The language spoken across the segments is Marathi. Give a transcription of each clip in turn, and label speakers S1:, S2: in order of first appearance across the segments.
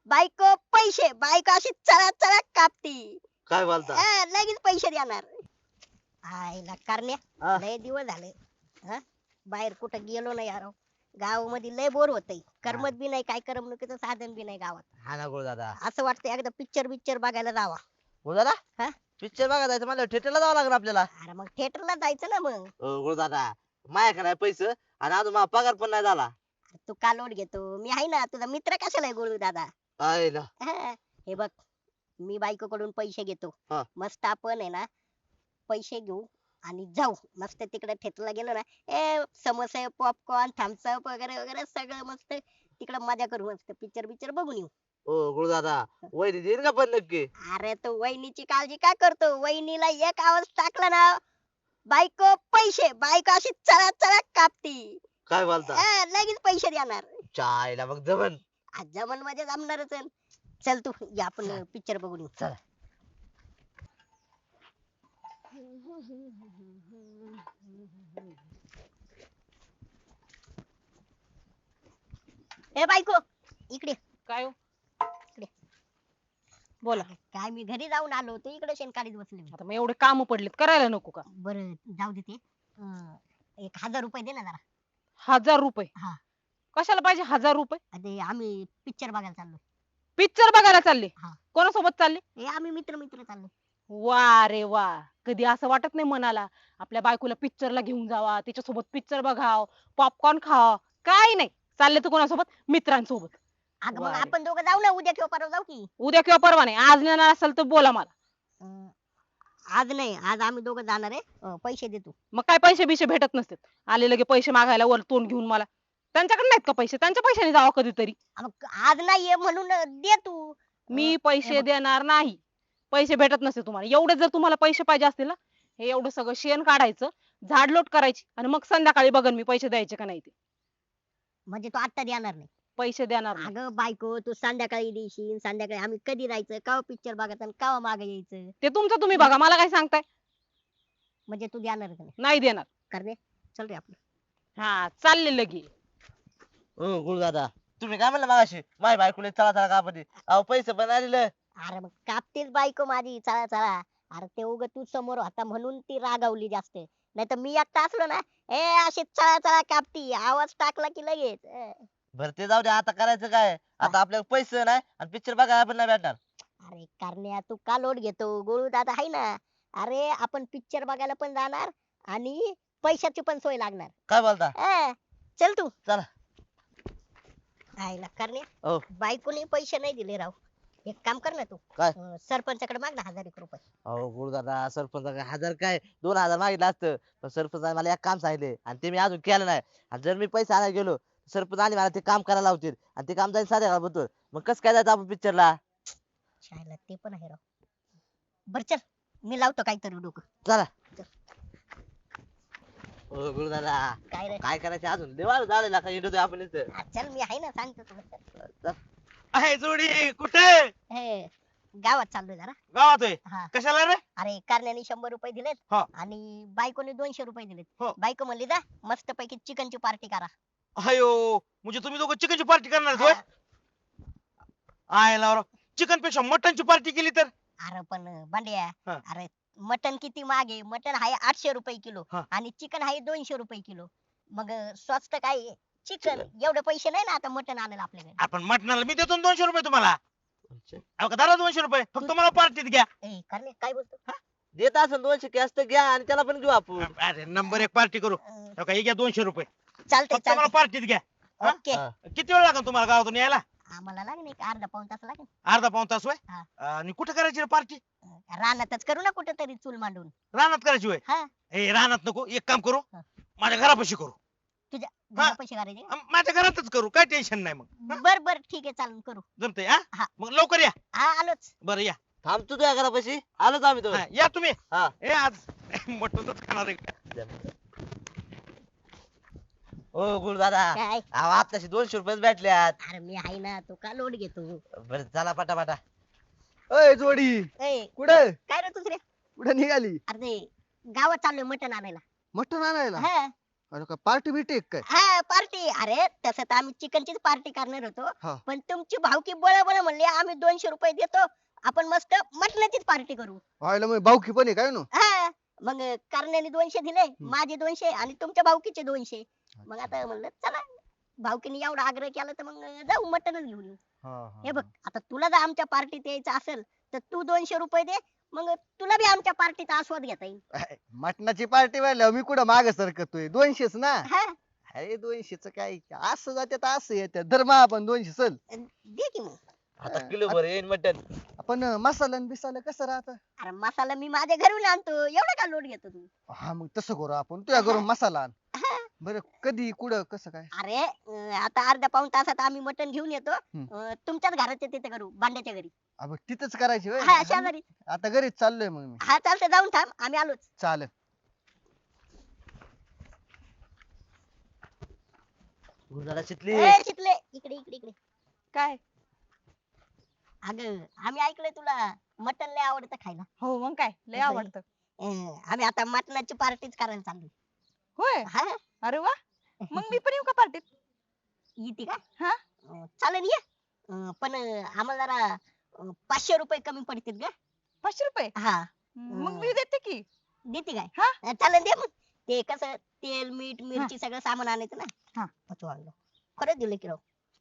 S1: बायको पैसे, बायको अशी चळा चळा कापती.
S2: काय बोलता?
S1: लगेच पैसे देणार. आईला करण्या
S2: हा.
S1: लय दिवस झाले हा बाहेर कुठं गेलो नाही यार. गावामध्ये लय बोर होतय. करमत बी नाही, काय करमणुकीचं साधन बी नाही गावात.
S2: हा ना गुरुदादा.
S1: असं वाटतं एकदा पिक्चर बिक्चर बघायला जावा.
S2: गुरुदादा
S1: हा?
S2: पिक्चर बघा जायचं मला थिएटरला जावं लागेल आपल्याला.
S1: अरे मग थिएटरला जायचं ना मग.
S2: गुरुदादा माझ्याकडे नाही पैसे आणि अजून माझा पगार पण नाही झाला.
S1: तू का लोट घेतो, मी आहे ना तुझा मित्र. कशाला आहे गोळू दादा.
S2: आईला.
S1: हे बघ, मी बायकोकडून पैसे घेतो.
S2: हा.
S1: मस्त आपण आहे ना पैसे घेऊ आणि जाऊ मस्त तिकडे थिएटरला गेलो ना. समोसे, पॉपकॉर्न, थम्सअप वगैरे वगैरे सगळं मस्त तिकडे मजा करू. मस्त पिक्चर बिक्चर बघून येऊ.
S2: गुरुदादा वैरी देईन का पण नक्की?
S1: अरे तू वहिनीची काळजी का करतो. वहिनीला एक आवाज टाकला ना, बायको पैसे, बायको अशी चळा चळा कापती.
S2: काय बोलता?
S1: लगेच पैसे देणार.
S2: चायला मग जमन.
S1: जमन मध्ये जमणारच आहे. चल तू या आपण पिक्चर बघून येऊ.
S2: चला.
S1: ए बायको इकडे.
S3: काय हो?
S1: इकडे.
S3: बोला.
S1: काय मी घरी जाऊन आलो होतो, इकडे शेणकाळीत बसले मी.
S3: आता मग एवढे काम पडलेत करायला नको का?
S1: बरं जाऊ दे ते. 1000 रुपये दे ना जरा.
S3: 1000 रुपये?
S1: हा.
S3: कशाला पाहिजे 1000 रुपये?
S1: ते आम्ही पिक्चर बघायला चाललो.
S3: पिक्चर बघायला चालले?
S1: हा.
S3: कोणासोबत चालले?
S1: आम्ही मित्र मित्र चाललो.
S3: वा रे वा. कधी असं वाटत नाही मनाला आपल्या बायकोला पिक्चरला घेऊन जावा, तिच्यासोबत पिक्चर बघाव, पॉपकॉर्न खावा? काय नाही, चालले तर कोणासोबत? मित्रांसोबत.
S1: अगं
S3: वा
S1: मग
S3: रे.
S1: आपण दोघं जाऊ ना, उद्या किंवा परवा जाऊ की.
S3: उद्या किंवा परवा नाही, आज नेणार असेल तर बोला मला.
S1: आज नाही, आज आम्ही दोघं जाणार आहे. पैसे दे तू.
S3: मग काय पैसे बिशे भेटत नसतात. आले लगे पैसे मागायला वर तोंड घेऊन मला. त्यांच्याकडे नाहीत का पैसे? त्यांच्या पैशाने जावा कधीतरी.
S1: मग आज नाहीये म्हणून दे तू.
S3: मी पैसे देणार नाही. पैसे भेटत नसते तुम्हाला. एवढे जर तुम्हाला पैसे पाहिजे असतील ना, हे एवढं सगळं शेण काढायचं, झाडलोट करायची आणि मग संध्याकाळी बघन मी पैसे द्यायचे का नाही ते.
S1: म्हणजे तू आता देणार नाही.
S3: पैसे देणार नाही.
S1: अगं बायको, तू संध्याकाळी देशील. संध्याकाळी आम्ही कधी जायचं, केव्हा पिक्चर बघायचं आणि केव्हा मागे यायचं.
S3: ते तुमचं तुम्ही बघा, मला काय सांगताय?
S1: म्हणजे तू देणार का नाही.
S3: नाही देणार.
S1: कर रे, चल रे आपलं.
S3: हा चालले लगे.
S2: गुरुदादा तुम्ही काय म्हणला मागाशी माझ्या बायकोला चला चला का पण अहो पैसे पण आलेलं.
S1: अरे मग कापतीच बायको माझी चला चला. अरे ते उग तू समोर होता म्हणून ती रागावली जास्त. नाही तर मी एकटा असलो ना, अशी चळा चळा कापती. आवाज टाकला की लगेच.
S2: बरं ते जाऊ दे, आता करायचं काय? आता आपल्याला पैसे नाही आणि पिक्चर बघायला पण नाही भेटणार.
S1: अरे करण्या, तू का लोट घेतो. गोळू दादा आहे ना. अरे आपण पिक्चर बघायला पण जाणार आणि पैशाची पण सोय लागणार.
S2: काय बोलता?
S1: चल तू.
S2: चला.
S1: आईला करण्या,
S2: हो.
S1: बायकोने पैसे नाही दिले राव. एक काम कर ना तू.
S2: काय?
S1: सरपंचाकडे माग ना 1001 रुपये.
S2: अहो गुरुदादा सरपंच 1000 काय 2000 मागितलं असतं, पण सरपंच मला एक काम सांगितले आणि ते मी अजून केलं नाही. आणि जर मी पैसे आणायला गेलो सरपंच आणि मला ते काम करायला लावतील आणि ते काम जाईल साध्या बघतो. मग कसं काय जायचं आपण पिक्चरला?
S1: शाळेला ते पण आहे राव. बर चल, मी लावतो काहीतरी डोकं.
S2: चला. ओ गुरुदादा
S1: काय रे.
S2: काय करायचं अजून देवाला झालेला का इंडो आपण इथं.
S1: चल मी आहे ना, सांगतो तुला.
S2: चल.
S4: आहे जोडी कुठे?
S1: गावात चाललोय जरा.
S4: गावात आहे.
S1: हा.
S4: कशाला रे?
S1: अरे कारण्याने 100 रुपये दिलेत
S4: हा.
S1: आणि बायकोने 200 रुपये दिलेत.
S4: हो.
S1: बायको म्हणली जा मस्त पैकी चिकनची पार्टी करा.
S4: अयो म्हणजे तुम्ही दोघं चिकनची पार्टी करणार होय? आहे ना चिकन पेक्षा मटनची पार्टी केली तर?
S1: अरे पण भांड्या,
S4: हा.
S1: अरे मटन किती मागे. मटन आहे 800 रुपये किलो
S4: हा.
S1: आणि चिकन आहे 200 रुपये किलो. मग स्वस्त काय चिकन. एवढे पैसे नाही ना आता मटन आणायला आपल्याकडे.
S4: आपण मटणाला मी देतो ना 200 रुपये तुम्हाला. अहो का दादा 200 रुपये फक्त मला पार्टीत घ्या.
S1: करणे काय बोलतो.
S2: देत असेल 200 कॅश तर घ्या आणि त्याला पण घेऊ आपण.
S4: अरे नंबर 1 पार्टी करू. अहो का हे घ्या 200 रुपये
S1: चालतंय
S4: फक्त मला
S1: चालतंय.
S4: पार्टीत घ्या. हा?
S1: ओके.
S2: हा.
S4: किती वेळ लागेल तुम्हाला गावातून यायला?
S1: आम्हाला लागेल एक अर्धा पाऊण तास लागेल.
S4: अर्धा पाऊण तास होय?
S1: हा.
S4: आणि कुठे करायची पार्टी?
S1: रानातच करू ना कुठेतरी चूल मांडून.
S4: रानात करायची होय?
S1: हा.
S4: ए रानात नको, एक काम करू
S1: हा.
S4: माझ्या घरापाशी करू.
S1: तुझ्या
S4: हा.
S1: घरापाशी करायचे.
S4: माझ्या घरातच करू, काय टेन्शन नाही. मग
S1: बर बर ठीक आहे चालून करू.
S4: जमतंय
S1: हा.
S4: हा? मग लवकर या.
S1: हा आलोच.
S4: बरं या.
S2: थांबतो तुझ्या घरापाशी आलोच आम्ही तो.
S4: हा, या तुम्ही.
S2: हा.
S4: ए आज मटणच खाणार आहे का?
S2: ओ गुरुदादा
S1: काय.
S2: अहो आताशी 200 रुपये भेटल्यात.
S1: अरे मी आहे ना, तू का लोट घेतो.
S2: बरं चला पटापटा.
S5: अय जोडी
S1: ए
S5: कुठे
S1: काय रे दुसरे.
S5: कुठे निघाली?
S1: अरे ते गावात चाललोय मटण आणायला.
S5: मटण आणायला?
S1: हा.
S5: अरे का पार्टी बिटी काय?
S1: हा पार्टी. अरे तसं तर आम्ही चिकनचीच पार्टी करणार
S5: हा.
S1: होतो, पण तुमची भावकी बळ म्हणली आम्ही 200 रुपये देतो, आपण मस्त मटणाचीच पार्टी करू.
S5: व्हायला मग भाऊकी पण आहे काय नो?
S1: हा मग करण्याने 200 दिले, माझे 200 आणि तुमच्या भावकीचे 200. मग आता म्हणलं चला, भावकीने एवढा आग्रह केला तर मग जाऊ मटणच घेऊन येऊ. हे बघ, आता तुला जर आमच्या पार्टीत यायचं असेल तर तू 200 रुपये दे, मग तुला बी आमच्या पार्टीचा आस्वाद घेता येईल.
S5: मटणाची पार्टी व्हायला मी कुठं माग सरकतोय 200च ना.
S1: हा
S5: अरे 200च काय असं जाते तर असं येते धर्मा आपण 200 चल.
S1: दे की मग.
S2: आता किलो भर येईन मटन.
S5: आपण मसाला न बिसाला कसं राहत?
S1: अरे मसाला मी माझ्या घरून आणतो, एवढा का लोट घेतो तू?
S5: हा मग तसं करू आपण तुझ्या घरून मसाला आण.
S1: हा.
S5: बरं कधी कुठं कसं काय?
S1: अरे आता अर्ध्या पाऊण तासात आम्ही मटण घेऊन येतो. तुमच्याच घराच्या तिथे करू, बांड्याच्या घरी.
S5: अबे तिथंच करायची होय?
S1: हा शेजारी.
S5: आता घरीच चाललोय मग मी.
S1: हा चालतं, जाऊन थांब, आम्ही आलोच.
S5: चालेल.
S2: गुरुदादा शिकली.
S1: ए, शिकले इकडे इकडे इकडे.
S3: काय?
S1: अगं आम्ही ऐकलंय तुला मटण लय आवडतं खायला.
S3: हो मग काय लय
S1: होय.
S3: आवडतं.
S1: आम्ही आता मटणाची पार्टीच करायला चाललोय.
S3: होय.
S1: हा
S3: अरे वा, मग मी पण येऊ का पार्टीत?
S1: येते का?
S3: हा.
S1: चालेल ये. पण आम्हाला जरा 500 रुपये कमी पडतील का?
S3: 500 रुपये?
S1: हा
S3: मग मी देते की.
S1: देते काय?
S3: हा.
S1: चालेल दे मग. ते कसं तेल मीठ मिरची सगळं सामान आणायचं ना.
S3: हा.
S1: तू आणलं. खरंच दिलं की राव.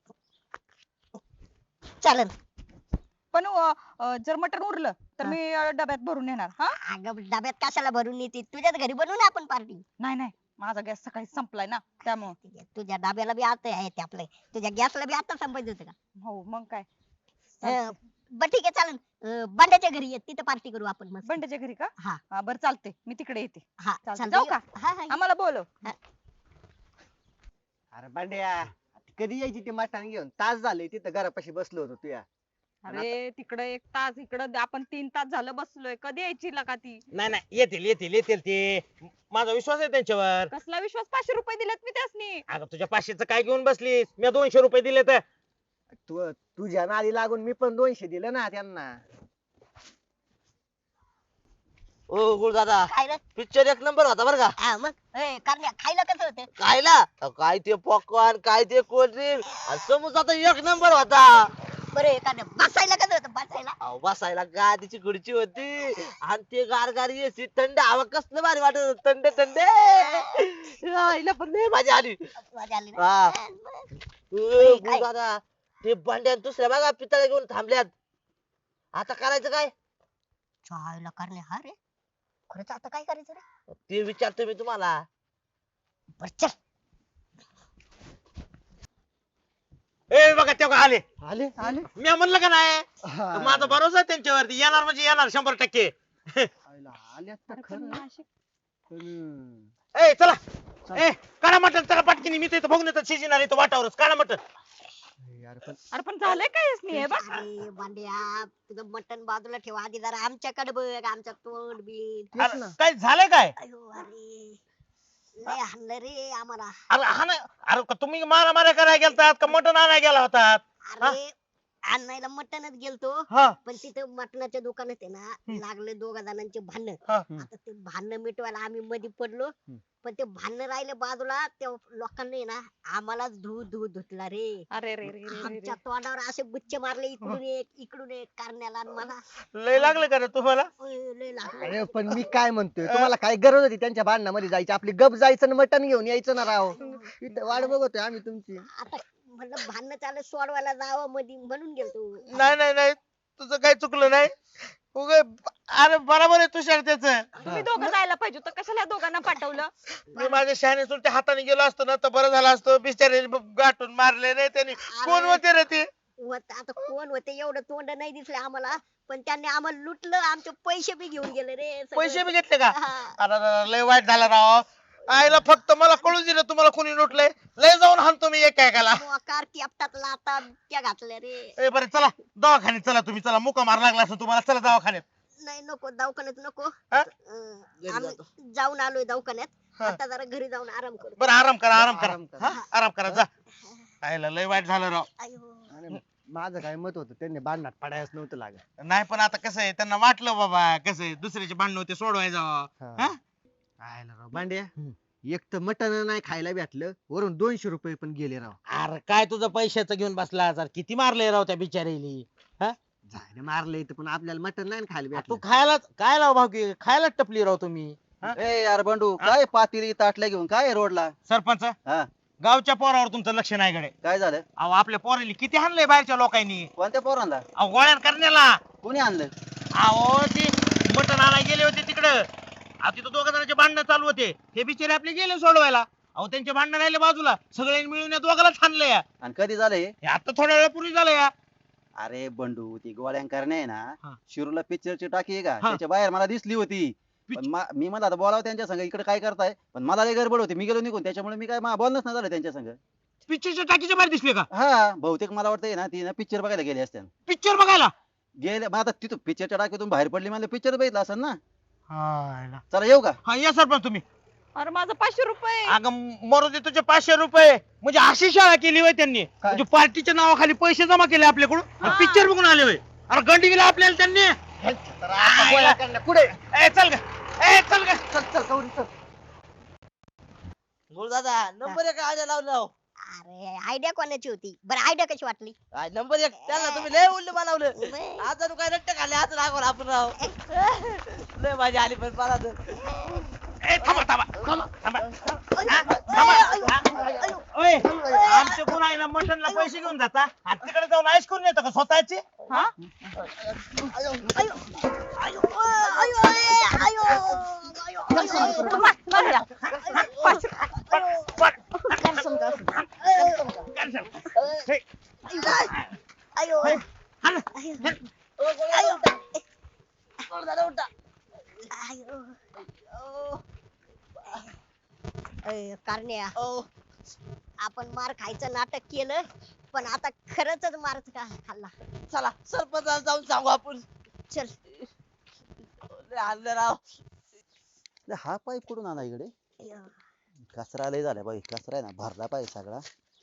S1: चालेल.
S3: पण जर मटण उरलं तर मी डब्यात भरून येणार. हा.
S1: अगं डब्यात कशाला भरून येते, तुझ्याच घरी बनवू ना आपण पार्टी.
S3: नाही नाही, माझा गॅस सकाळी संपलाय ना त्यामुळे.
S1: तुझ्या डब्याला बी आता आहे ते आपलं, तुझ्या गॅसला बी आता संपायचं होतं का?
S3: हो मग काय.
S1: बर ठीक आहे चालेल. बांड्याच्या घरी ये, तिथे पार्टी करू आपण मस्त.
S3: बंड्याच्या घरी का?
S1: हा.
S3: हा बरं चालते, मी तिकडे येते.
S1: हा
S3: चालतंय.
S1: चालतंय.
S3: जाऊ का?
S1: हा हा
S3: आम्हाला बोलव.
S5: अरे बांड्या कधी यायची ते मटण घेऊन? तास झाले तिथं घरापाशी बसलो होतो तुया.
S3: अरे तिकडे 1 तास, इकडे आपण 3 तास झालं बसलोय. कधी यायची का ती?
S4: नाही नाही, येतील येतील येतील ते. माझा विश्वास आहे त्यांच्यावर.
S3: कसला विश्वास? 500 रुपये दिलेत मी त्यासनी.
S4: अगं तुझ्या 500चं काय घेऊन बसलीस? मी 200 रुपये दिले तर.
S5: तुझ्या नादी लागून मी पण 200 दिलं ना त्यांना.
S2: ओ गुरुदादा,
S1: खायला
S2: पिक्चर एक नंबर होता बरं का.
S1: हा मग कारण्या खायला कसं होतं?
S2: खायला काय ते पॉपकॉर्न, काय ते कोल्ड्रिंक आणि समोसा तर एक नंबर होता.
S1: बरं कारण्या बसायला कसं होतं? बसायला
S2: अहो बसायला गादीची खुर्ची होती आणि ते गार एसी थंड हवा कसलं भारी वाटत होतं, थंड थंड. आईला पण लय मजा आली.
S1: मजा आली ना?
S2: हा.
S1: हा, मग.
S2: ओ,
S1: काय?
S2: दादा ते भांड्या दुसऱ्या बघा पितळ्या घेऊन थांबल्यात. आता करायचं काय
S1: खायला कारण्या हा रे, खरंच आता काय करायचं रे?
S2: ते विचारतो मी तुम्हाला.
S1: बर चल.
S4: ए बघा तेव्हा आले.
S5: आले आले.
S4: मी म्हणलं का नाही,
S5: हा.
S4: माझा भरोसा आहे त्यांच्यावरती. येणार म्हणजे येणार 100%.
S5: आयला, आल्यात तर
S3: अरे पण
S5: खरं.
S3: नाशिक.
S5: पण,
S4: ए चला. ए काढा मटण, चला पटकीने. मी तर इथं बघून येतात शिजणार इथं वाटावरच. काढा मटण.
S5: यार पण
S3: अरे पण झालंय काय यासनी हे बघ.
S1: अरे बांड्या तुझं मटण बाजूला ठेवा आधी, जरा आमच्याकडे बघ, आमच्या तोंड बिन.
S5: तेच
S4: अरे,
S5: ना.
S4: काय झालंय काय?
S1: अयो अरे लय हाणलं रे आम्हाला.
S4: अरे हा नाही. अरे का तुम्ही मारामाऱ्या करायला गेलतात का मटण आणायला गेला होतात?
S1: अरे आणायला मटणच गेलतो,
S4: हा.
S1: पण तिथं मटणाच्या दुकानात आहे ना लागले दोघा जणांचे भांडण.
S4: हा.
S1: आता ते भांडण मिटवायला आम्ही मध्ये पडलो, पण ते भांडण राहिले बाजूला, त्या लोकांनी आहे ना आम्हालाच धू धू धुतला रे.
S3: अरे रे रे रे रे रे.
S1: आमच्या तोंडावर असे बुच्चे मारले, इकडून एक कारण्याला आणि मला.
S4: लय लागलं का रे तुम्हाला?
S1: लय लागलं.
S5: अरे पण मी काय म्हणतोय, तुम्हाला काय गरज होती त्यांच्या भांडणामध्ये जायची? आपली गप जायचं आणि मटण घेऊन यायचं ना राव. इथं वाट बघतोय आम्ही तुमची.
S1: आता म्हणलं भांडण चालू सोडवायला जावं मध्ये, म्हणून गेलतो.
S4: नाही नाही नाही, तुझं काही चुकलं नाही. अरे बरोबर आहे तुषार त्याचं.
S3: तुम्ही दोघं जायला पाहिजे होतं, कशाला या दोघांना पाठवलं?
S4: मी माझ्या शहाणे सुलट्या हाताने गेलो असतो ना तर बरं झालं असतं. बिचारे गाठून मारले रे त्यांनी. कोण होते रे ते?
S1: आता कोण होते, एवढं तोंड नाही दिसले आम्हाला, पण त्यांनी आम्हाला लुटलं, आमचे पैसे बी घेऊन गेले रे सगळे.
S4: पैसे बी घेतले का?
S1: हा.
S4: अरे लय वाईट झालं राव. आईला फक्त मला कळू दिलं तुम्हाला कोणी लुटलंय. लय जाऊन हाणतो मी एक एकाला.
S1: मोकार केपटात लाता त्या घातल्या रे.
S4: ए बरं चला दवाखान्यात चला. तुम्ही चला, मुका मार लागला असं तुम्हाला. चला दवाखान्यात.
S1: नाही नको, दवाखान्यात नको.
S4: हा?
S1: आम्ही जाऊन आलोय दवाखान्यात.
S4: हा.
S1: आता जरा घरी जाऊन आराम करू.
S4: बरं आराम करा, आराम करा.
S5: आराम करा.
S4: हा? आराम करा जा. आईला लय वाईट झालं राव.
S1: अयो.
S5: आणि माझं काय मत होतं, त्यांनी भांडणात पडायच नव्हतं लागत.
S4: नाही पण आता कसं आहे, त्यांना वाटलं बाबा कसं आहे दुसऱ्याचे भांडण होते सोडवाय जावं.
S5: हा.
S4: हा?
S5: आयला राव भांड्या, एक तर मटण नाही खायला भेटलं वरून 200 रुपये पण गेले राव.
S4: अरे काय तुझं पैशाचं घेऊन बसला जर किती मारले राव त्या बिचारीली.
S5: झालं मारलं इथं पण आपल्याला मटण नाही ना खायला
S4: तू
S5: भेटलं.
S4: खायला काय लाव भाऊ की खायला टपली राव तुम्ही.
S6: ए यार बंडू काय पातेली ताटल्या घेऊन काय रोडला
S4: सरपंच
S6: हा
S4: गावच्या पोरावर तुमचं लक्ष नाही गडे.
S6: काय झालं
S4: अहो आपल्या पोरांनी किती हाणलंय बाहेरच्या लोकांनी.
S6: कोणत्या पोरांना
S4: अहो गोळ्या करण्याला.
S6: कोणी आणलं
S4: अहो ते मटण आणायला गेले होते तिकडं. अहो तिथं दोघ जणांचे भांडणं चालू होते. हे बिचारे आपले गेले सोडवायला. अहो त्यांचे भांडणं राहिले बाजूला सगळ्यांनी मिळून या दोघालाच हाणलंय.
S6: आणि कधी झालं हे
S4: हे आता थोड्या वेळापूर्वी झालं या.
S6: अरे बंडू ती गोळ्या करणे आहे
S4: हा.
S6: ना शिरूरला पिक्चरची टाकी आहे का
S4: हा.
S6: त्याच्या बाहेर मला दिसली होती पण मी मला आता बोलावं त्यांच्या संग इकडे काय करताय पण मला लय गडबड होती मी गेलो निघून त्याच्यामुळे मी काय बोलणंच नाही झालं त्यांच्या संग
S4: पिक्चरच्या टाकीच्या बाहेर दिसले का
S6: हा बहुतेक मला वाटतंय ना ती ना पिक्चर बघायला गेली असते
S4: पिक्चर बघायला.
S6: गेले मग आता तिथून पिक्चरच्या टाकीतून बाहेर पडली मला पिक्चर बघितला असेल ना
S4: हा
S6: चला येऊ का
S4: या सरपंच तुम्ही.
S3: अरे माझं 500 रुपये.
S4: अगं मरू दे तुझे 500 रुपये म्हणजे अशी शाळा केली होय त्यांनी म्हणजे पार्टीच्या नावाखाली पैसे जमा केले आपल्याकडून पिक्चर बघून आले होय. अरे गंडी गेला आपल्याला त्यांनी.
S5: कुठे
S4: ए चल ग ए चल ग.
S5: चल चल कवरी चल.
S2: बोल दादा नंबर एक आयडिया लावलं.
S1: अरे आयडिया कोणाची होती बरं आयडिया कशी वाटली
S2: नंबर एक त्याला तुम्ही लय उल्लू बनवलं.
S1: बे,
S2: आज जणू काय रट्टे खाल्ले आज रागवर आपण राव. लय माझी आली पण मला तर.
S4: ए थांबा थांबा थांबा थांबा.
S1: अयो,
S4: ओय आमचे कोण आहे ना मटनला पैसे घेऊन जाता आणि तिकडे जाऊन आईस करून येतं का स्वतःचे.
S3: हा
S1: अयो, अयो, अयो, अयो, अयो, अयो, अयो,
S3: मार या.
S1: अयो, कारण्या आपण मार खायचं नाटक केलं पण आता खरंच मार खाल्ला.
S2: चला सरपंचाला जाऊन सांगू आपण.
S1: चल
S2: लय आणलं राव.
S6: हा पाईप कुठून आला इकडे
S1: अयो.
S6: कचरा लय झाला बाई कचरा आहे ना भरला पाहिजे सगळा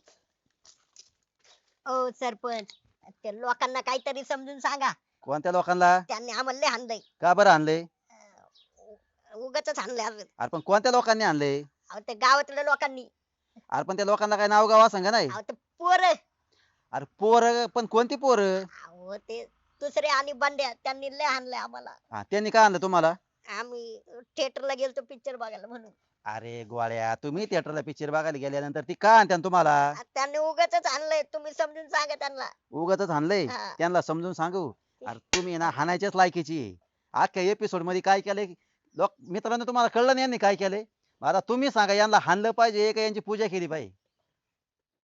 S1: ओ सरपंच त्या लोकांना काहीतरी समजून सांगा
S6: कोणत्या लोकांना
S1: त्यांनी आम्हाला लय हाणलंय
S6: का बरं आणले
S1: उगाच हाणलंय अजून.
S6: अरे पण कोणत्या लोकांनी आणले
S1: अहो ते गावातल्या लोकांनी
S6: अरे पण त्या लोकांना काय नाव गावा सांगा नाही
S1: अहो ते पोर
S6: अरे पोर पण कोणती पोर
S1: अहो ते दुसरे आणि बंड्या त्यांनी लय हाणलंय आम्हाला.
S6: त्यांनी काय आणलं तुम्हाला
S1: आम्ही थिएटरला गेलतो पिक्चर बघायला म्हणून
S6: अरे गोळ्या तुम्ही थिएटरला पिक्चर बघायला गेल्यानंतर ती का आणत्यान तुम्हाला
S1: त्यांनी उगाच आणलंय तुम्ही समजून सांगा त्यांना.
S6: उगाच आणलंय
S1: हा.
S6: त्यांना समजून सांगू अरे तुम्ही ना हाणायच्याच लायकीची आहे. अख्ख्या एपिसोड मध्ये काय केलंय लोक मित्रांनो तुम्हाला कळलं नाही यांनी काय केलंय आता तुम्ही सांगा यांना हाणलं पाहिजे का यांची पूजा केली पाहिजे